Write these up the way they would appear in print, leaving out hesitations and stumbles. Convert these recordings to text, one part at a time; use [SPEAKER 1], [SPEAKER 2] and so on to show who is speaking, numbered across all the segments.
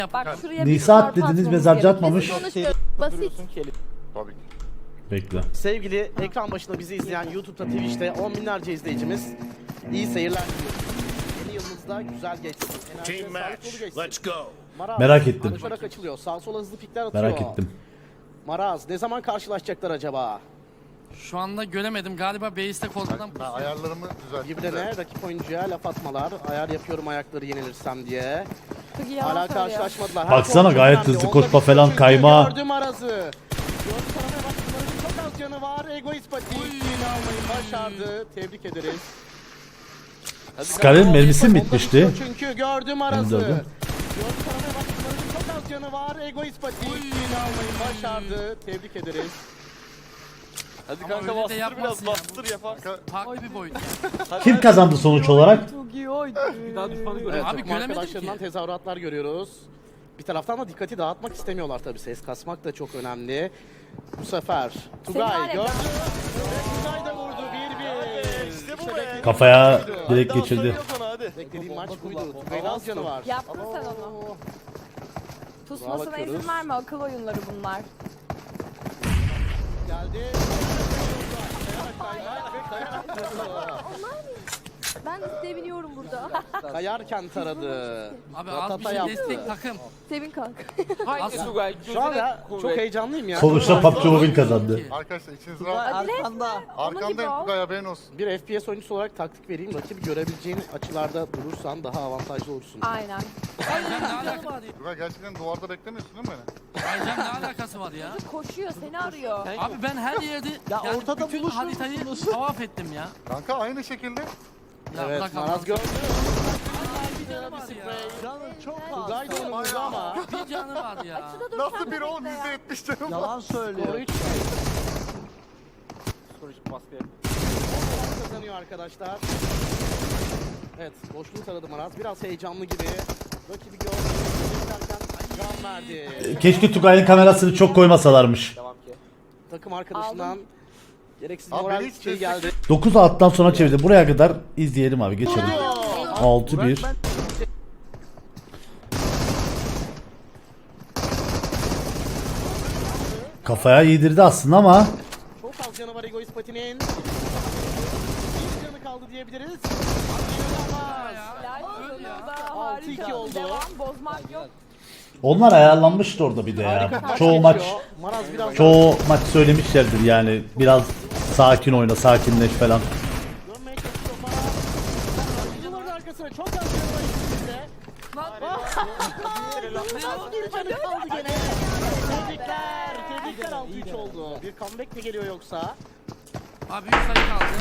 [SPEAKER 1] Bak şuraya
[SPEAKER 2] Nisa
[SPEAKER 1] bir
[SPEAKER 2] at dediniz,
[SPEAKER 1] atmamız
[SPEAKER 2] mezarcı
[SPEAKER 1] gerekiyor.
[SPEAKER 2] atmamış.
[SPEAKER 1] Biz konuşmuyoruz. Basit.
[SPEAKER 3] Tabii ki.
[SPEAKER 2] Bekle.
[SPEAKER 4] Sevgili ekran başında bizi izleyen YouTube'da, Twitch'te on binlerce izleyicimiz, iyi seyirler diliyoruz. Yeni yılınızda güzel geçsin. Enerji
[SPEAKER 5] Team
[SPEAKER 4] ve sağlık
[SPEAKER 5] match.
[SPEAKER 4] dolu geçsin.
[SPEAKER 5] Let's go.
[SPEAKER 4] Maraz,
[SPEAKER 2] Merak ettim.
[SPEAKER 4] Koşarak açılıyor. Sağ sola hızlı pikler atıyor.
[SPEAKER 2] Merak ettim.
[SPEAKER 4] Maraz ne zaman karşılaşacaklar acaba?
[SPEAKER 6] Şu anda göremedim. Galiba base'te korkudan
[SPEAKER 3] Ben ayarlarımı düzelttim.
[SPEAKER 4] Birbirine rakip oyuncuya laf atmalar. Ayar yapıyorum ayakları yenilirsem diye.
[SPEAKER 1] Çok iyi yalan
[SPEAKER 4] Hala
[SPEAKER 1] söylüyor.
[SPEAKER 4] karşılaşmadılar. Her
[SPEAKER 2] Baksana,
[SPEAKER 4] konu çok
[SPEAKER 2] gayet
[SPEAKER 4] önemli.
[SPEAKER 2] hızlı
[SPEAKER 4] Onda
[SPEAKER 2] koşma
[SPEAKER 4] bir
[SPEAKER 2] falan,
[SPEAKER 4] çünkü
[SPEAKER 2] kayma.
[SPEAKER 4] Gördüm Maraz'ı. Gördüm taramaya baktıklarının çok az canı var. Egoist Pati yine almayı başardı. Tebrik ederiz.
[SPEAKER 2] Scar'ın mermisi mi
[SPEAKER 4] Onda
[SPEAKER 2] bitmişti?
[SPEAKER 4] bitiyor çünkü gördüm Maraz'ı.
[SPEAKER 2] gördüm.
[SPEAKER 4] Gördüm taramaya baktıklarının çok az canı var. Egoist Pati yine almayı başardı. Tebrik ederiz.
[SPEAKER 7] Hadi
[SPEAKER 6] Ama
[SPEAKER 7] kanka
[SPEAKER 6] öyle de
[SPEAKER 7] bastır
[SPEAKER 6] yapmasın
[SPEAKER 7] biraz
[SPEAKER 6] ya.
[SPEAKER 7] bastır yapar.
[SPEAKER 6] farklı bir boyut.
[SPEAKER 2] Kim kazandı sonuç olarak?
[SPEAKER 1] Çok iyi oydu.
[SPEAKER 7] Bir daha düşmanı
[SPEAKER 4] Evet,
[SPEAKER 7] görelim.
[SPEAKER 6] Abi
[SPEAKER 4] takım
[SPEAKER 6] göremedim
[SPEAKER 4] arkadaşlarından
[SPEAKER 6] ki.
[SPEAKER 4] tezahüratlar görüyoruz. Bir taraftan da dikkati dağıtmak istemiyorlar tabii. Ses kasmak da çok önemli. Bu sefer Tugay
[SPEAKER 1] var
[SPEAKER 4] gördü.
[SPEAKER 1] ya,
[SPEAKER 4] Tugay da vurdu 1-1.
[SPEAKER 7] İşte bu be.
[SPEAKER 2] Kafaya direkt geçirdi.
[SPEAKER 7] Hadi.
[SPEAKER 4] Beklediğim maç buydu. Tugay'ın az canı var.
[SPEAKER 1] Yaptın sen onu. Pusmasına
[SPEAKER 4] bakıyoruz.
[SPEAKER 1] izin verme. Akıl oyunları bunlar.
[SPEAKER 4] Geldi. Kayarak vurdu.
[SPEAKER 1] Ben seviniyorum burada.
[SPEAKER 4] Kayarken taradı.
[SPEAKER 6] Abi az bir
[SPEAKER 4] Ratata
[SPEAKER 6] şey
[SPEAKER 4] yaptı.
[SPEAKER 6] destek takım.
[SPEAKER 1] Sevin kanka.
[SPEAKER 7] Haydi Tugay.
[SPEAKER 4] Şu anda çok heyecanlıyım ya.
[SPEAKER 2] Sonuçta PUBG Mobile kazandı.
[SPEAKER 3] Arkadaşlar içiniz rahat.
[SPEAKER 7] Arkanda.
[SPEAKER 3] Arkandayım Tugay, haberin olsun.
[SPEAKER 4] Bir FPS oyuncusu olarak taktik vereyim. Rakibi görebileceğin açılarda durursan daha avantajlı olursun.
[SPEAKER 1] Aynen.
[SPEAKER 6] Aycan ne alakası var ya?
[SPEAKER 3] Tugay gerçekten duvarda beklemiyorsun değil mi beni?
[SPEAKER 6] Aycan ne alakası var ya?
[SPEAKER 1] Koşuyor seni arıyor.
[SPEAKER 6] Abi ben her yerde yani
[SPEAKER 7] ortada
[SPEAKER 6] bütün
[SPEAKER 7] buluşur
[SPEAKER 6] haritayı tavaf ettim ya.
[SPEAKER 3] Kanka aynı şekilde.
[SPEAKER 6] Ya
[SPEAKER 4] Evet,
[SPEAKER 6] bırak
[SPEAKER 4] Maraz
[SPEAKER 6] Allah'ını
[SPEAKER 4] gördü.
[SPEAKER 6] canı var ya.
[SPEAKER 7] Canım çok
[SPEAKER 4] Tugay da onu vurdu ama.
[SPEAKER 6] Bir canı var ya.
[SPEAKER 3] Nasıl bir oğlum, %70 canım var.
[SPEAKER 7] Yalan söylüyor.
[SPEAKER 4] Skoru 3
[SPEAKER 7] Psikolojik baskı.
[SPEAKER 4] kazanıyor arkadaşlar. Evet, boşluğu taradı Maraz. Biraz heyecanlı gibi. Rakibi gördü. Derken can verdi.
[SPEAKER 2] Keşke Tugay'ın kamerasını çok koymasalarmış.
[SPEAKER 7] Devam ki.
[SPEAKER 4] Takım arkadaşından gereksiz
[SPEAKER 3] Abi
[SPEAKER 4] moral
[SPEAKER 3] beni hiç
[SPEAKER 4] şey geldi.
[SPEAKER 2] 9 alttan sonra çevirdi. Buraya kadar izleyelim abi, geçelim. 6-1. Kafaya yedirdi aslında ama
[SPEAKER 4] Çok az canı var Egoist Pati'nin. Bir canı kaldı diyebiliriz.
[SPEAKER 1] Helal olsun
[SPEAKER 6] ya.
[SPEAKER 1] da
[SPEAKER 4] 6-2
[SPEAKER 1] harika.
[SPEAKER 4] oldu.
[SPEAKER 1] Devam bozmak yok.
[SPEAKER 2] onlar ayarlanmıştı orada bir de
[SPEAKER 4] Harika
[SPEAKER 2] ya.
[SPEAKER 4] maç
[SPEAKER 2] Çoğu
[SPEAKER 4] geçiyor.
[SPEAKER 2] maç
[SPEAKER 4] Maraz biraz
[SPEAKER 2] çoğu maç söylemişlerdir yani, biraz sakin oyna, sakinleş falan.
[SPEAKER 4] dönmeye çalışıyor Maraz. Duvarın arkasına çok az canı var ikisinde. Bir canı kaldı gene. Tebrikler. Tebrikler 6-3 oldu. Bir comeback mi geliyor yoksa?
[SPEAKER 6] Abi 3 sayı kaldı.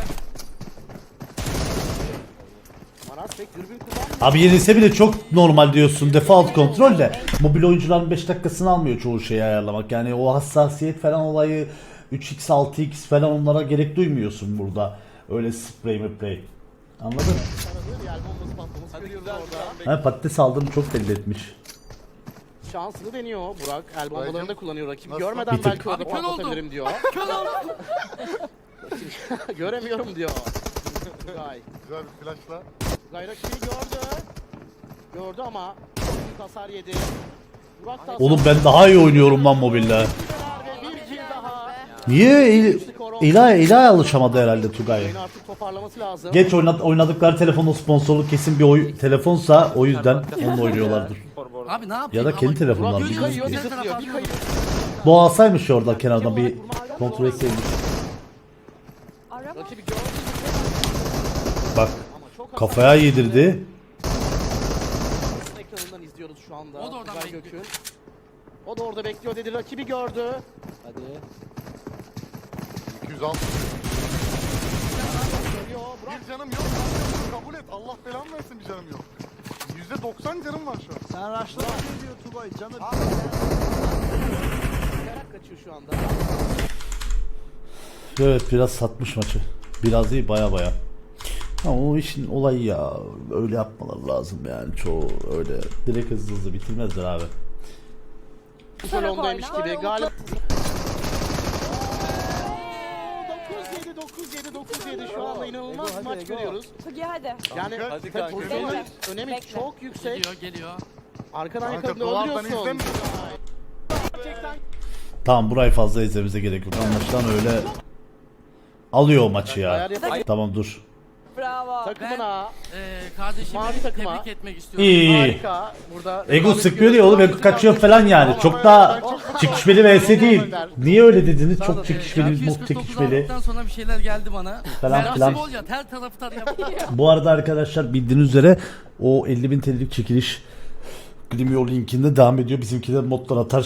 [SPEAKER 4] Maraz pek dürbün kullanmıyor.
[SPEAKER 2] Abi yenilse bile çok normal diyorsun, default kontrol de. Mobil oyuncuların 5 dakikasını almıyor çoğu şeyi ayarlamak. Yani o hassasiyet falan olayı 3x 6x falan, onlara gerek duymuyorsun burada. Öyle spray play. Anladın?
[SPEAKER 4] Taradı. Yer bombası patlaması görüyoruz orada.
[SPEAKER 2] Ha, patates aldığını çok belli etmiş.
[SPEAKER 4] Şansını deniyor Burak. El bombalarını da kullanıyor rakip.
[SPEAKER 3] Nasıl?
[SPEAKER 4] Görmeden
[SPEAKER 2] Bir tık.
[SPEAKER 4] belki orada
[SPEAKER 6] Abi kör oldum.
[SPEAKER 4] patlatabilirim diyor.
[SPEAKER 6] Kör oldu.
[SPEAKER 4] Göremiyorum diyor. Tugay.
[SPEAKER 3] Güzel bir flashla.
[SPEAKER 4] Tugay rakibi gördü. Gördü ama çok büyük hasar yedi. Burak da
[SPEAKER 2] Oğlum ben daha iyi oynuyorum lan mobilde.
[SPEAKER 4] ve bir kill daha.
[SPEAKER 2] Niye İla'ya alışamadı herhalde Tugay.
[SPEAKER 4] Oyunu artık toparlaması lazım.
[SPEAKER 2] Geç oynadıkları telefonun sponsorlu kesin bir telefonsa o yüzden onunla oynuyorlardır.
[SPEAKER 6] Abi ne yapayım?
[SPEAKER 2] Ya da kendi
[SPEAKER 6] Ama-
[SPEAKER 2] telefonlar
[SPEAKER 4] Burak bir
[SPEAKER 2] bilmiyorum
[SPEAKER 4] kayıyor,
[SPEAKER 2] ki.
[SPEAKER 4] bir zıplıyor, bir kayıyor.
[SPEAKER 2] Bu alsaymış orada kenardan bir kontrol etseymiş.
[SPEAKER 1] Arama.
[SPEAKER 4] Rakibi gördü
[SPEAKER 2] Bak
[SPEAKER 4] ama çok hasar
[SPEAKER 2] kafaya
[SPEAKER 4] yedi.
[SPEAKER 2] yedirdi.
[SPEAKER 4] Ekranından izliyoruz şu anda.
[SPEAKER 6] O da oradan
[SPEAKER 4] Tugay
[SPEAKER 6] bekliyor.
[SPEAKER 4] Gökün. O da orada bekliyor dedi. Rakibi gördü.
[SPEAKER 7] Hadi.
[SPEAKER 3] 206.
[SPEAKER 4] Geliyor. Burak
[SPEAKER 3] Bir canım yok. Kabul et. Allah belamı versin, bir canım yok. %90 canım var şu an.
[SPEAKER 7] Sen raşla diyor Tugay canım.
[SPEAKER 4] kayarak kaçıyor şu anda.
[SPEAKER 2] Evet, biraz satmış maçı. Biraz değil, baya baya. Ama o işin olayı ya. Öyle yapmaları lazım yani. Çoğu öyle direkt hızlı hızlı bitirmezler abi.
[SPEAKER 4] Bu salondaymış
[SPEAKER 1] oyna.
[SPEAKER 4] gibi.
[SPEAKER 1] Böyle
[SPEAKER 4] Galip. 9-7 şu anda inanılmaz bir maç görüyoruz.
[SPEAKER 1] Tugi hadi.
[SPEAKER 4] Yani
[SPEAKER 7] Hadi
[SPEAKER 4] tabii
[SPEAKER 7] kanka.
[SPEAKER 4] pozisyonun
[SPEAKER 1] Bekle.
[SPEAKER 4] önemi
[SPEAKER 1] Bekle.
[SPEAKER 4] çok yüksek.
[SPEAKER 6] Geliyor geliyor.
[SPEAKER 4] Arkadan
[SPEAKER 3] Kanka
[SPEAKER 4] yakaladın
[SPEAKER 3] duvardan
[SPEAKER 4] öldürüyorsun.
[SPEAKER 3] izlemiyor.
[SPEAKER 4] Gerçekten
[SPEAKER 2] Tamam burayı fazla izlememize gerek yok. Anlaşılan öyle alıyor o maçı
[SPEAKER 4] ayar
[SPEAKER 2] ya.
[SPEAKER 4] yapayım.
[SPEAKER 2] Tamam dur.
[SPEAKER 1] Bravo.
[SPEAKER 4] Takımına
[SPEAKER 6] Kardeşimi
[SPEAKER 4] Mavi takıma.
[SPEAKER 6] tebrik etmek istiyorum.
[SPEAKER 2] İyi.
[SPEAKER 4] harika. Burada
[SPEAKER 2] Ego sıkmıyor diye oğlum, Ego kaçıyor falan yani. Çok daha çekişmeli vs değil. Niye öyle dediniz? Çok çekişmeli, muht
[SPEAKER 6] 249
[SPEAKER 2] çekişmeli
[SPEAKER 6] aldıktan sonra bir şeyler geldi bana.
[SPEAKER 2] Falan
[SPEAKER 6] Nasip
[SPEAKER 2] filan.
[SPEAKER 6] ol ya, her tarafı tarayalım.
[SPEAKER 2] Bu arada arkadaşlar bildiğiniz üzere o 50.000 TL'lik çekiliş Glimio linkinde devam ediyor. Bizimkiler modlar atar